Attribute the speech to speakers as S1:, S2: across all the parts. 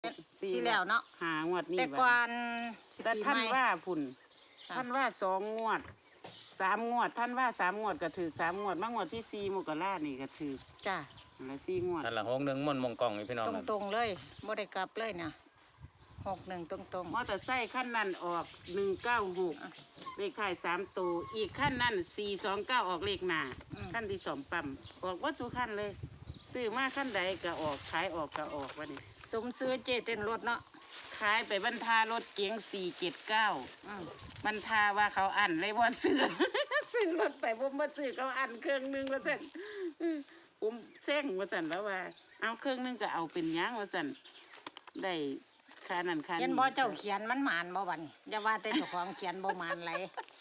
S1: สี่แล้วเนาะ
S2: 5 งวดนี่
S1: แต่ก่อน
S2: แต่ท่านว่าพุ่นท่านว่า2 งวด 3 งวดท่านว่า3 งวดก็ถือ3 งวดมางวดที่4 มกรานี่ก็ถือ
S1: จ้ะ
S2: แล้ว4 งวด
S3: นั่นละ61ม่วนมงกองนี่พี่น้อง
S1: ตรงๆเลยบ่ได้กลับเลยนะ61ตรง
S2: มอเตอร์ไซค์ขั้นนั้นออก196เลขท้าย3 ตัวอีกขั้นนั้น429ออกเลขหน้าขั้นที่2ปั๊มออกวัดสุขั้นเลยซื้อมาขั้นใดก็ออกขายออกก็ออกวะนี่
S1: สมซื้อเจเต้นรถเนาะ
S2: ขายไปบรรทารถเก๋ง479บรรทาว่าเขาอั้นเลยว่าซื้อ ซื้อรถไปผมมาซื้อเขาอั้นเครื่องนึงว่าสั่นผมแซงว่าสั่นแล้วว่าเอาเครื่องนึงก็เอาเป็นยังว่าสั่นได้ค่านั้นค่านี้
S1: เห็นบ่เจ้าเขียนมันหมานบ่บัดนี้อย่าว่าแต่เจ้าของเขียนบ่หมานไหล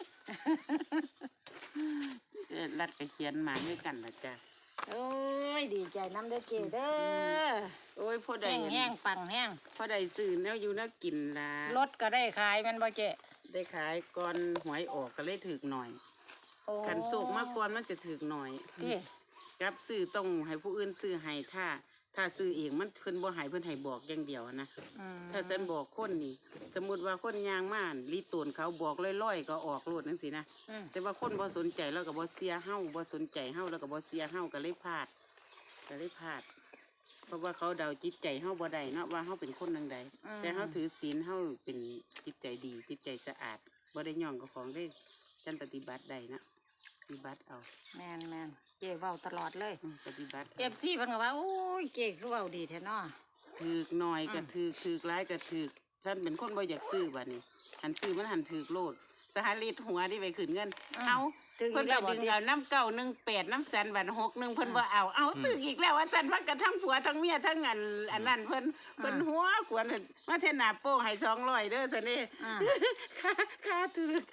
S2: รัดไปเขียนหมาด้วยกันนะจ๊ะ
S1: โอ้ยดีใจน้ำเด้อเจเด้อ
S2: โอ้ยพอได้
S1: แห้งปังแห้ง
S2: พอได้ซื้อแนวอยู่แนวกินละ
S1: รถก็ได้ขายแม่นบ่เจ
S2: ได้ขายก่อนหวยออกก็เลยถึกหน่อยขันโศกมาก่อนมันจะถึกหน่อยกับซื้อต้องให้ผู้อื่นซื้อให้ถ้าซื้อเองมันเพิ่นบ่ให้เพิ่นให้บอกอย่างเดียวนะถ้าฉันบอกคนนี่สมมุติว่าคนยางม่านลีตูนเขาบอกลอยๆก็ออกโลดจังซี่นะแต่ว่าคนบ่สนใจแล้วก็บ่เสียเฮาบ่สนใจเฮาแล้วก็บ่เสียเฮาก็เลยพลาดเพราะว่าเขาเดาจิตใจเฮาบ่ได้เนาะว่าเฮาเป็นคนจังใดแต่เฮาถือศีลเฮาเป็นจิตใจดีจิตใจสะอาดบ่ได้ย่องกับของได้ฉันปฏิบัติได้นะปฏิบัติเอา
S1: แม่นเจ๊เว้าตลอดเลย
S2: ปฏิบัติ
S1: FC เพิ่นก็ว่าโอ้ยเจ๊คือเว้าดีแท้เนาะ
S2: ถือกหน่อยก็ถือกหลายก็ถือกฉันเป็นคนบ่อยากซื้อบัดนี้หันซื้อมันหันถือกโลดสหลิตหัวที่ไปขึ้นเงินเอาเพิ่นไปดึงเอาน้ำ918น้ำแสนบัด61เพิ่นบ่เอาตึกอีกแล้วว่าฉันว่ากันทั้งผัวทั้งเมียทั้งอันนั้นเพิ่นหัวขวนมาเทน่าโป้ให้200เด้อซั่นนี่ค่าถือก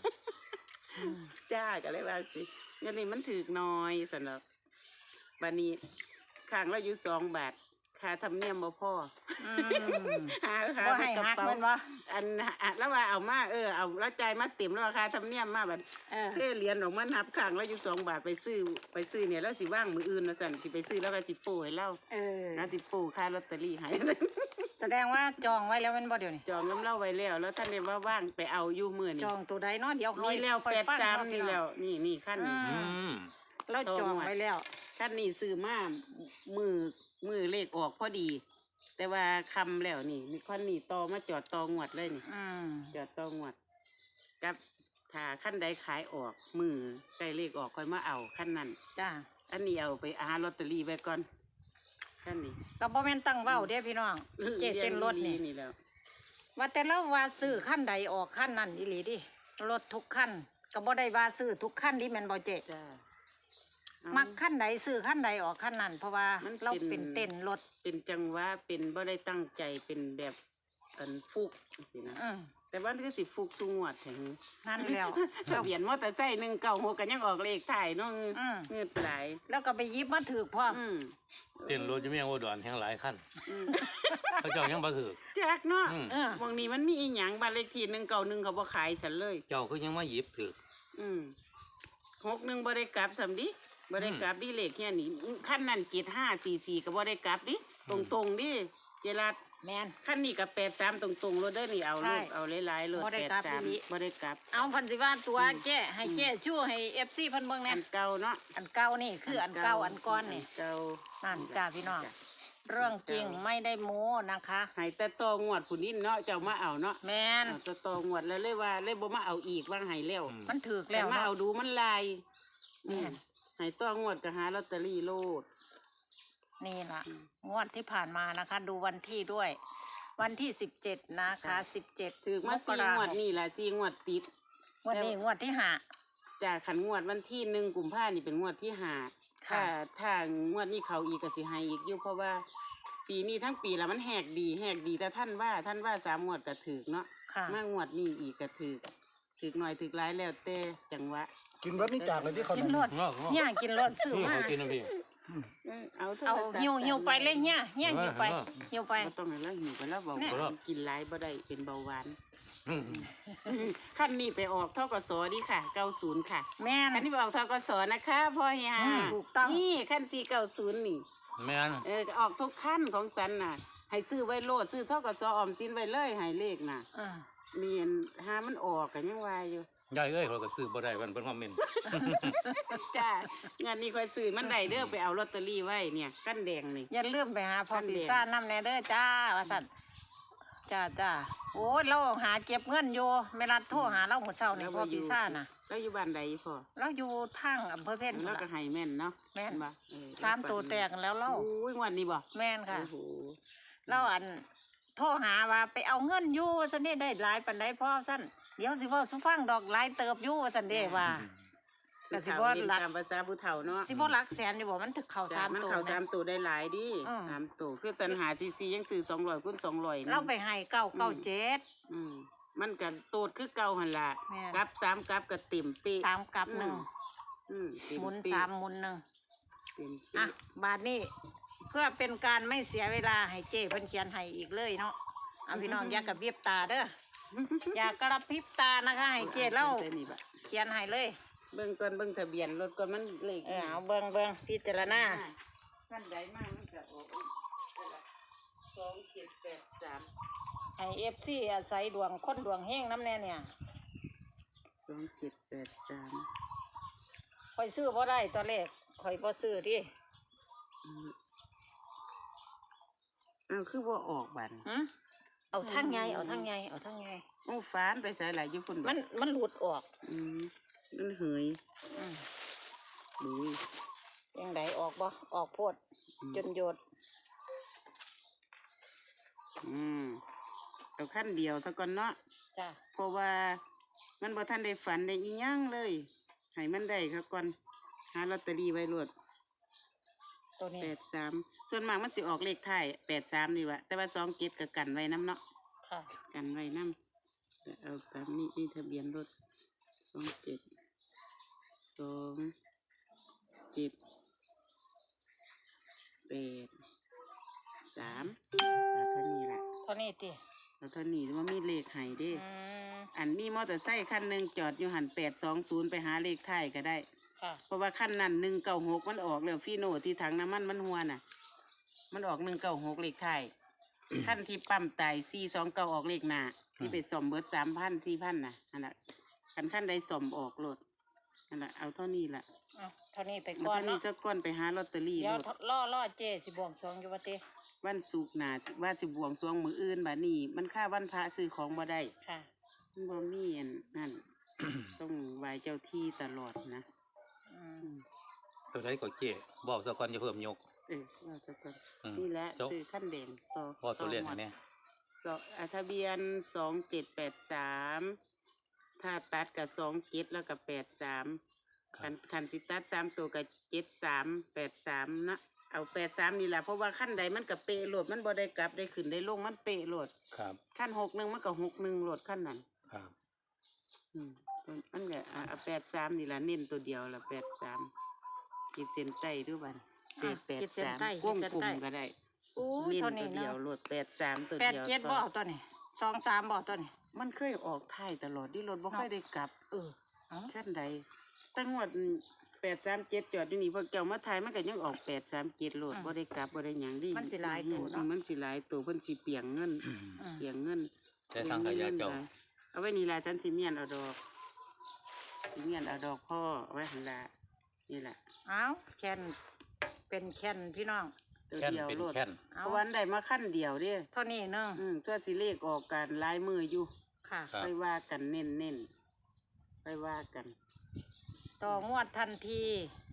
S2: จ้าก็เลยว่าสิเงินนี่มันถือกน้อยสำหรับบัดนี้ข้างเราอยู่2 บาทค่าธรรมเนียมบ่พอ
S1: บ่ให้หักมันบ่
S2: อันแล้วว่าเอามาเอาแล้วจ่ายมาเต็มแล้วค่าธรรมเนียมมาบัดเทเหรียญออกมานับข้างเราอยู่2 บาทไปซื้อเนี่ยแล้วสิว่างมื้ออื่นว่าซั่นสิไปซื้อแล้วก็สิโป้ให้เราแล้วสิโป้ค่าลอตเตอรี่ให้
S1: แสดงว่าจองไว้แล้วแม่นบ่เดี๋ยวนี้
S2: จองน้ำเล่าไว้แล้วท่านได้ว่าว่างไปเอาอยู่มื้อนี้
S1: จองตัวใดเนาะเดี๋ยว
S2: นี่แล้ว83นี่แล้วนี่ขั้นนี้
S1: แล้วจองไว้แล้ว
S2: ขั้นนี้ซื้อมามือเลขออกพอดีแต่ว่าคำแล้วนี่ขั้นนี้ต่อมาจอดต่องวดเลยนี่จอดต่องวดกับถ้าขั้นใดขายออกมือใกล้เลขออกค่อยมาเอาขั้นนั้น
S1: จ้า
S2: อันนี้เอาไปหาลอตเตอรี่ไว้ก่อนขั้นนี้
S1: ก็บ่แม่นตั้งเว้าเด้พี่น้องเจ๊เต้นรถนี่
S2: แล้ว
S1: ว่าแต่ละว่าซื้อขั้นใดออกขั้นนั้นอีหลีดิรถทุกขั้นก็บ่ได้ว่าซื้อทุกขั้นดิแม่นบ่เจ๊มักขั้นใดซื้อขั้นใดออกขั้นนั้นเพราะว่าเราเป็นเต้นรถ
S2: เป็นจังหวะเป็นบ่ได้ตั้งใจเป็นแบบฟุกสินะแต่ว่าคือสิฟุกสูงวดแถง
S1: นั่นแล้ว
S2: ทะเบียนมอเตอร์ไซค์196กันยังออกเลขถ่ายน้องเงือดไหล
S1: แล้วก็ไปยิบมาถือพ่อ
S3: เต้นรถจะไม่ยังอุดรแห่งหลายขั้นเขาเจ้ายังบ่ถือ
S2: แจกเนาะบางนี้มันมีอีหยังบ้านเลขที่191เขาบ่ขายสันเลย
S3: เจ้าคือยังมาหยิบถือ
S2: 61บ่ได้กลับสำดิบ่ได้กลับดิเลขแค่นี้ขั้นนั้น7544ก็บ่ได้กลับดิตรงๆดิเจรัด
S1: แม่น
S2: ขั้นนี้กับ83ตรงๆรถเด้อนี่เอาลูกเอาหลายๆรถ83บ่ได้กลับ
S1: เอาพันสิว่าตัวแจ้ให้แจ้ชู้ให้ FC เพิ่นเบิ่งแน่
S2: อันเก่าเนาะ
S1: อันเก่านี่คืออันเก่าอันก้อนนี่
S2: เก่า
S1: นั่นจ้าพี่น้องเรื่องจริงไม่ได้โม้นะคะ
S2: ให้แต่ตองวดผู้นี้เนาะเจ้ามาเอาเนาะ
S1: แม่น
S2: แต่ตองวดแล้วเลยว่าเลยบ่มาเอาอีกว่าให้แล้ว
S1: มันถูกแล้ว
S2: มาเอาดูมันลายแม่นให้ตองวดก็หาลอตเตอรี่โลด
S1: นี่ล่ะงวดที่ผ่านมานะคะดูวันที่ด้วยวันที่17นะคะ17
S2: ถึงมา4 งวดนี่แหละ4 งวดติด
S1: วันนี้งวดที่5
S2: จากขันงวดวันที่1 กุมภาพันธ์นี่เป็นงวดที่5ถ้างวดนี้เขาอีกก็สิให้อีกอยู่เพราะว่าปีนี้ทั้งปีแล้วมันแหกดีแต่ท่านว่า3 งวดก็ถึกเนาะมางวดนี้อีกก็ถึกหน่อยถึกหลายแล้วแต่จังหวะ
S4: กินรถนี่จากเลยที่เขา
S1: กินรถเนี่ยกินรถซื้อมา
S3: กินนะพี่
S1: เอาหิวไปเลยเนี่ยหิวไป
S2: ต้องให้แล้วหิวไปแล้วบอกกินหลายบ่ได้เป็นเบาหวานขั้นนี้ไปออกทกสดีค่ะ90ค่ะ
S1: แม่น
S2: ขั้นนี้ไปออกทกสนะคะพ่อเฮีย
S1: ถูกต้อง
S2: นี่ขั้น490นี่
S3: แม่น
S2: ออกทุกขั้นของสันน่ะให้ซื้อไว้โลดซื้อเท่ากับซอออมสินไว้เลยให้เลขน่ะมีอันหามันออกกันยังว่าอยู่
S3: ยายเอ้ยเขาก็ซื้อบ่ได้เพิ่นคอมเมนต์
S2: จ้างานนี้ค่อยซื้อมันได้เด้อไปเอาลอตเตอรี่ไว้เนี่ยกั้นแดงนี่
S1: อย่าลืมไปหาพ่อปีซ่าจน้ำแน่เด้อจ้าว่าสั่นจ้าโอ้ยเราหาเก็บเงินอยู่เวลาโทรหาเราหมดเช้านี่พ่อปีซ่าจน่ะ
S2: แล้วอยู่บ้านใดพ่อ
S1: เราอยู่ทางอำเภอเพชร
S2: แล้วก็ให้แม่นเนาะ
S1: แม่น
S2: บ่
S1: 3 ตัวแตกแล้วเรา
S2: อุ้ยงวันนี้บ่
S1: แม่นค่ะ
S2: โอ้โห
S1: เราโทรหาว่าไปเอาเงินอยู่ซั่นนี่ได้หลายปานใดพ่อซั่นเดี๋ยวสิเว้าสุฟังดอกหลายเติบอยู่ซั่นเด้ว่า ก็สิบ่
S2: เล่น
S1: หลัก
S2: ตามภาษาผู้เฒ่าเนาะ
S1: สิบ่หลักแสนอยู่บ่มันถึกเข้า
S2: จ้ะ
S1: 3
S2: มัน
S1: ตัว
S2: เข้า
S1: แม่
S2: 3ตัวได้หลายดิ
S1: อืม
S2: 3ตัวคือจันหาซียังซื้อ200คูณ200
S1: เราไปให้997
S2: มันก็โตดคือเก่าหั่นล่ะ
S1: แม่
S2: กับ3กับก็เต็มเป๊ะ
S1: 3กับหนึ่ง
S2: เต็ม
S1: หมุน
S2: เป๊ะ
S1: 3หมุนหนึ่ง
S2: เต็ม
S1: อ่ะ
S2: เป๊ะ
S1: บาทนี้เพื่อเป็นการไม่เสียเวลาให้เจ้เพิ่นเขียนให้อีกเลยเนาะเอาพี่น้องอย่ากระพริบตาเด้ออย่ากระพริบตานะคะให้เจ้เล่า
S2: ใส่นี่บัด
S1: เขียนให้เลย
S2: เบิ่งก่อนเบิ่งทะเบียนรถก่อนมันเลข
S1: เอาเบิ่งพิจารณา
S2: ขั้นใดมากมันจะออก2783
S1: ให้ FC อาศัยดวงคนดวงเฮงน้ำแน่เนี่ย
S2: 2783
S1: ข่อยซื้อบ่ได้ตอนแรกข่อยบ่ซื้อดิ
S2: อ้าวคือว่าออกบัน
S1: หึเอาทางไงเอาทางไงเอาทางไง
S2: โอ้ฟ้านไปใส่หลายอยู่พุ่นบ่
S1: มันหลุดออก
S2: มันเหย
S1: อืม
S2: ดูย
S1: ยังไดออกบ่ออกโพดจนโยด
S2: เอาขั้นเดียวซะก่อนเนาะ
S1: จ้ะ
S2: เพราะว่ามันบ่ทันได้ฝันได้อีหยังเลยให้มันได้ครับก่อนหาลอตเตอรี่ไว้รวด
S1: ตัวนี้
S2: 83ส่วนมากมันสิออกเลขท้าย83นี่วะแต่ว่า27ก็กันไว้นำเนาะ
S1: ค่ะ
S2: กันไว้นำเอาตามนี้มีทะเบียนรถ27 เอาเท่านี้ละ
S1: เท่านี้ติ
S2: เอาเท่านี้ว่ามีเลขไห้เด้
S1: อืม
S2: อันมีมอเตอร์ไซค์คันหนึ่งจอดอยู่หัน820ไปหาเลขท้ายก็ได้
S1: ค่ะ
S2: เพราะว่าคันนั้น196มันออกแล้วฟีโน่ที่ถังน้ำมันมันหัวน่ะ มันออก196เลขท้าย คันที่ปั๊มตาย429ออกเลขหน้าที่ไปซ่อมเบิด3,000 4,000น่ะอันน่ะคันใดซ่อมออกรถอันน่ะเอาเท่านี้ล่ะ
S1: เอาเท่านี้ไป
S2: เอา
S1: ก่อน
S2: เท่านี้
S1: เนาะ
S2: สักก้อนไปหาลอตเตอรี่
S1: เดี๋ยว
S2: รถ
S1: ล่อเจสิบวงสรวงอยู่ว่าติ
S2: วันศุกร์หน้าสิว่าสิบวงสรวงมื้ออื่นบัดนี้ มันค่าวันพระซื้อของบ่ได้
S1: ค่ะ
S2: มันบ่มีอันนั่น ต้องไหว้เจ้าที่ตลอดนะ
S1: อืม
S2: อืม
S3: ตัวใดก็เจ๊บอกซะก่อนอย่าเพิ่มยก
S2: ว่าจะก่อน
S3: อืม
S2: นี่แหละ
S3: จบ
S2: ซื้อขั้นแดงต่อ
S3: บอกตัวเลข
S2: ต่อหม
S3: ให้
S2: ด
S3: แน่
S2: ทะเบียน2783ถ้าตัดกับ27แล้วก็83คันสิตัด3ตัวกับ7383นะเอา83นี่แหละเพราะว่าขั้นใดมันก็เป๊ะโลดมันบ่ได้กลับได้ขึ้นได้ลงมันเป๊ะโลด
S3: ครับ
S2: ขั้น61มันก็61โลดขั้นนั้น
S3: ครับ
S2: มันก็เอา83นี่ล่ะเน้นตัวเดียวละ83ขีดเส้นใต้ด้วยบัดเศษ
S1: ขีดเส้นใต้
S2: 83วงกลมก็ได้
S1: อู้
S2: เน้น
S1: เท่า
S2: ตั
S1: นี้
S2: วเดียว
S1: เนาะ
S2: โลด83ตัว
S1: แปด
S2: เดียว
S1: เจ็ดบ่เอาตัวนี้23บ่เอาตัวนี้
S2: มันเคยออกท้ายตลอดที่รถบ่ค่อยได้กลับ
S1: เอา
S2: ขั้นใดตั้งงวด837จอดอยู่นี่พอเจ้ามาถ่ายมันก็ยังออก837โลดบ่ได้กลับบ่ได้หยังดิ
S1: มันสิหลายตัวเนาะ
S2: มันสิหลายตัวเพิ่นสิเปียงเงิน
S1: อืม
S2: เปียงเงิน
S3: แต่ทางขยะเจ้า
S2: เอาไว้นี่ล่ะฉันสิเมียนเอาดอกสิเมียนเอาดอกพ่อเอาไว้หั่นล่ะนี่ล่ะ
S1: เอาแคนเป็นแคนพี่น้อง
S2: ตัว
S3: แค่น
S2: เดียว
S3: เป็น
S2: โลด
S3: แค่น
S1: เอา
S2: เพราะวันได้มาขั้นเดียวเด้
S1: เท่านี้เนึง
S2: ตัวสิเลขออกกันลายมืออยู่
S1: ค่ะ
S3: ครับ
S2: ไปว่ากันเน้นไปว่ากัน
S1: ต่องวดทันที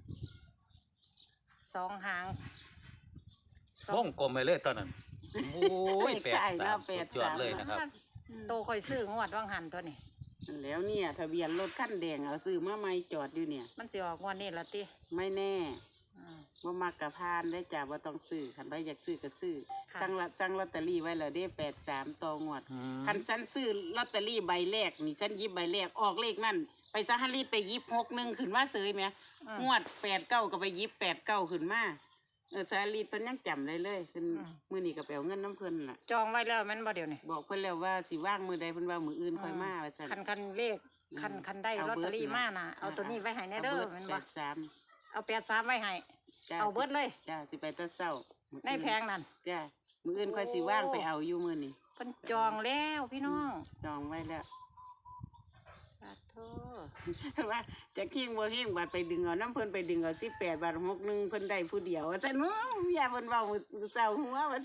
S1: 2 หาง
S3: วงกลมไปเลยตอนนั้นโอ้ย
S2: เลขใต้เนาะ
S3: 83สุดยอดเลยนะครับ
S1: โตค่อยซื้องวดว่างหันตัวนี้
S2: นั่นแล้วเนี่ยทะเบียนรถขั้นแดงเอาซื้อมาใหม่จอดอยู่เนี่ย
S1: มันสิออกงวดนี้ละติ
S2: ไม่แน่
S1: อืม
S2: ว่ามักกะพานได้จ่าว่าต้องซื้อคันใดอยากซื้อก็ซื้อ
S1: ค่ะ
S2: สั่งลอตเตอรี่ไว้แล้วได้83ต่องวด
S3: อืม
S2: คันฉันซื้อลอตเตอรี่ใบแรกนี่ฉันหยิบใบแรกออกเลขนั่นไปซะฮันรีดไปหยิบ61ขึ้นมาเสยไหม งวด89ก็ไปหยิบ89ขึ้นมาสาลีเพิ่นยังจำได้เลยเพิ่นมื้อนี้ก็ไปเอาเงินน้ำเพิ่นล่ะ
S1: จองไว้แล้วแมันบ่เดี๋ยวนี้
S2: บอกเพิ่นแล้วว่าสิว่างมื้อใดเพิ่นว่ามื้ออื่นค่อยมาว่าซั่น
S1: คันเลขคันได้
S2: เอา
S1: ลอต
S2: เบิ
S1: เต
S2: ด
S1: อรี่
S2: นะ
S1: มาน่ะเอาตัวนี้ไว้ให้แน่เด้อแมันบ่
S2: 83
S1: เอา83ไว้ให้
S2: จ้า
S1: เอาเบิดเลย
S2: จ้าสิไปแตะเช้ามื้
S1: ในแพงนั่น
S2: จ้ามื้ออื่นค่อยสิว่างไปเอาอยู่มื้อนี้
S1: เพิ่นจองแล้วพี่น้อง
S2: จองไว้แล้ว
S1: สาธุ
S2: ว่าจะขิงบ่ขิงบาทไปดึงเอาน้ำเพิ่นไปดึงเอา18 บาท61เพิ่นได้ผู้เดียวว่าซั่นเนาะอย่าเพิ่นเว้ามื้อเช้าหัวว่า